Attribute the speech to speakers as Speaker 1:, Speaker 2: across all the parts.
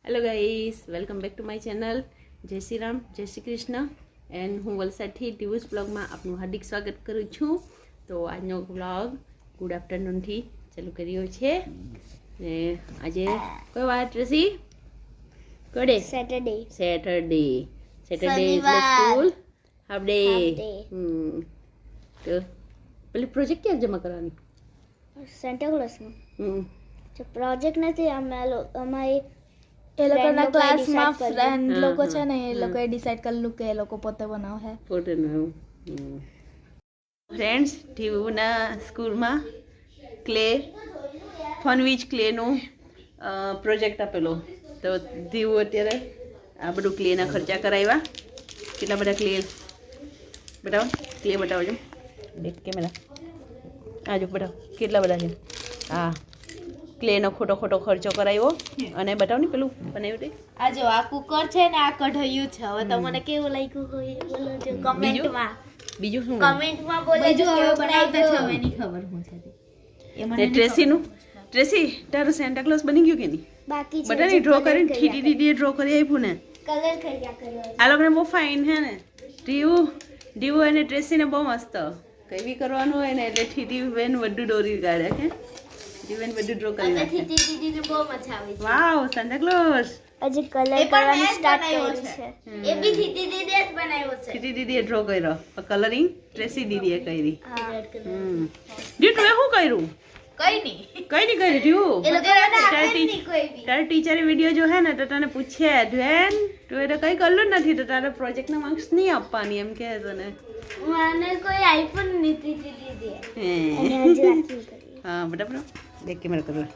Speaker 1: Hello guys, welcome back to my channel. જય શ્રી રામ, જય Shri Krishna. And હું વલસાડથી ટીવુઝ બ્લોગમાં આપનું હાર્દિક સ્વાગત કરું છું. તો આજનો બ્લોગ ગુડ આફ્ટરનૂનથી ચાલુ કર્યો છે. ને આજે કોઈ વાર ટ્રેસી કડે
Speaker 2: સેટરડે
Speaker 1: સેટરડે એટલે સ્કૂલ હાફ ડે. તો પેલી પ્રોજેક્ટ ક્યાં જમા કરવાની?
Speaker 2: સેન્ટા ક્લોઝનું
Speaker 1: હમ
Speaker 2: જો પ્રોજેક્ટ નથી અમારી
Speaker 3: એ લોકોના
Speaker 2: લોકોએ
Speaker 3: ક્લાસમાં
Speaker 2: decide કર્યું.
Speaker 3: ફ્રેન્ડ
Speaker 1: હા,
Speaker 3: લોકો છે
Speaker 1: હા,
Speaker 3: ને એ લોકોએ ડિસાઈડ કરેલું કે એ લોકો પોતે બનાવે.
Speaker 1: પોતાનું ફ્રેન્ડ્સ ટીવુના સ્કૂલમાં ક્લે ફનવીજ ક્લેનું પ્રોજેક્ટ આપેલો. તો દીવું અત્યારે આ બધું ક્લેના ખર્ચા કરાવ્યા. કેટલા બધા ક્લે બતાવો, ક્લે બતાવો છો એક કેમેરા આજો બતાવો કેટલા બધા છે. હા, ક્લેનો ખોટો ખર્ચો કરાવ્યો. અને બતાવો ને પેલું બનાવ્યું તે
Speaker 3: આ જો આ કુકર છે ને આ કઢાયું છે. હવે તમને કેવું લાગ્યું હોય એ બોલો જો કમેન્ટમાં.
Speaker 1: બીજું શું
Speaker 2: કમેન્ટમાં બોલે
Speaker 3: બીજું
Speaker 2: કે
Speaker 3: હવે
Speaker 2: કેવું
Speaker 3: બનાવતા છે
Speaker 2: લાગ્યું.
Speaker 3: હવે નહીં ખબર હું છે તે. એ મને
Speaker 1: ને
Speaker 3: નહીં
Speaker 1: ટ્રેસીનું ટ્રેસી તારું સેન્ટા ક્લોઝ બની ગયું કે નહીં?
Speaker 2: બાકી છે
Speaker 1: બધાને ડ્રો કરીને ઠીટી દીદીએ ડ્રો કરી આપ્યું ને.
Speaker 2: કલર કર્યા કર્યો
Speaker 1: આ લોકોને બહુ ફાઇન હે ને. ડીવું અને ટ્રેસીને બહુ મસ્ત. કંઈ બી કરવાનું હોય ને એટલે ઠીટી બેન બધું દોરી કાઢે કે ઠીટી બેન બધું ડ્રો કરી નાખે.
Speaker 2: દીદીને બહુ મજા આવી
Speaker 1: વાવ, સેન્ટા ક્લોઝ.
Speaker 2: હજી કલર
Speaker 3: એ પણ
Speaker 2: કરવાનું
Speaker 3: મેં જ
Speaker 2: સ્ટાર્ટ
Speaker 3: બનાવ્યો
Speaker 2: કર્યું
Speaker 3: છે.
Speaker 2: છે એ બી દીદી દીદીએ જ બનાવ્યો છે.
Speaker 1: ઠીટી દીદીએ ડ્રો કર્યો. કલરિંગ ટ્રેસી દીદીએ કરી.
Speaker 2: હા
Speaker 1: ડી તું શું કર્યું?
Speaker 3: કઈ નહીં.
Speaker 1: કઈ નહીં કર્યું ડીવું?
Speaker 2: એ લોકોને આપે જ
Speaker 1: તારી
Speaker 2: નહીં કોઈ બી
Speaker 1: તારા ટીચરે વિડીયો જો હે ને તો તને પૂછે ધ્વેન તું એ તો કંઈ કરલું જ નથી તો તારે પ્રોજેક્ટના માર્ક્સ નહીં આપવાની એમ કહે તને.
Speaker 2: મને કોઈ આઈફોન નથી દીદી
Speaker 1: હે.
Speaker 2: અને હજી વાંચી કરી
Speaker 1: हाँ बराबर देख के मेरे को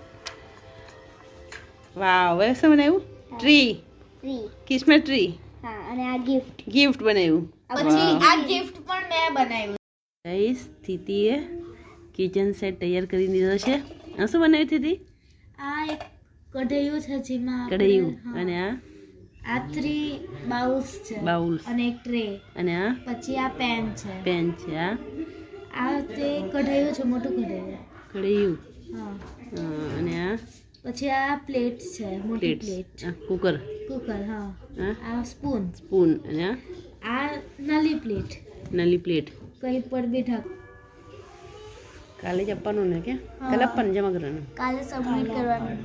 Speaker 1: वाह वैसे बनाયું ટ્રી
Speaker 2: ફ્રી
Speaker 1: કિસमें ટ્રી
Speaker 2: હા અને આ ગિફ્ટ
Speaker 1: ગિફ્ટ બનાવ્યું
Speaker 3: પછી આ ગિફ્ટ પણ મેં બનાવ્યું.
Speaker 1: ગાઈસ સ્થિતિએ કિચન સેટ તૈયાર કરી દીધો છે. આ શું બનાવ્યું સ્થિતિ?
Speaker 3: આ એક કઢાયું છે જેમાં આપણે-
Speaker 1: કઢાયું
Speaker 3: હા.
Speaker 1: અને
Speaker 3: આ 3 બાઉલ્સ છે
Speaker 1: બાઉલ
Speaker 3: અને એક ટ્રે.
Speaker 1: અને આ
Speaker 3: પછી આ પેન છે.
Speaker 1: પેન છે. આ
Speaker 3: આ તે કઢાયું છે, મોટું કઢાયું.
Speaker 1: કઢાયું
Speaker 3: હા.
Speaker 1: અને આ
Speaker 3: પછી આ પ્લેટ છે, મોટી
Speaker 1: પ્લેટ
Speaker 3: પ્લેટ.
Speaker 1: Cooker
Speaker 3: cooker. હા.
Speaker 1: આ
Speaker 3: આ સ્પૂન.
Speaker 1: સ્પૂન અને આ
Speaker 3: આ નાલી પ્લેટ.
Speaker 1: નલી પ્લેટ.
Speaker 3: કઈ પર બી ઢાક.
Speaker 1: કાલે જ આપવાનું ને કે
Speaker 3: હા.
Speaker 1: કાલે આપવાનું જમા કરવાનું?
Speaker 2: કાલે સબમિટ કરવાનું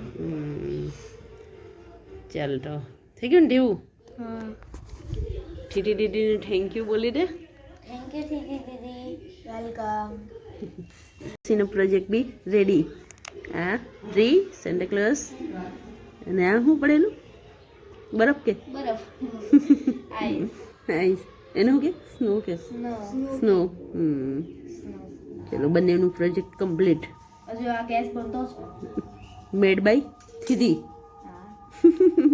Speaker 1: ચાલ તો થઈ ગયું ને ઢેવું?
Speaker 3: હા.
Speaker 1: ઠીટી દીદીને થેન્ક યુ બોલી દે.
Speaker 2: થેન્ક યુ દીદી
Speaker 3: વેલકમ.
Speaker 1: સીનો પ્રોજેક્ટ બી રેડી. આ ટ્રી, સેન્ટા ક્લોઝ અને આ શું પડેલું? બરફ કે
Speaker 3: બરફ. આઈસ.
Speaker 1: આઈસ એનું શું કે સ્નો કે સ્નો. ચલો બંનેનું પ્રોજેક્ટ કમ્પ્લીટ.
Speaker 3: હજુ આ ગેસ બનતો છે.
Speaker 1: મેડ બાય થીધી.
Speaker 3: હા.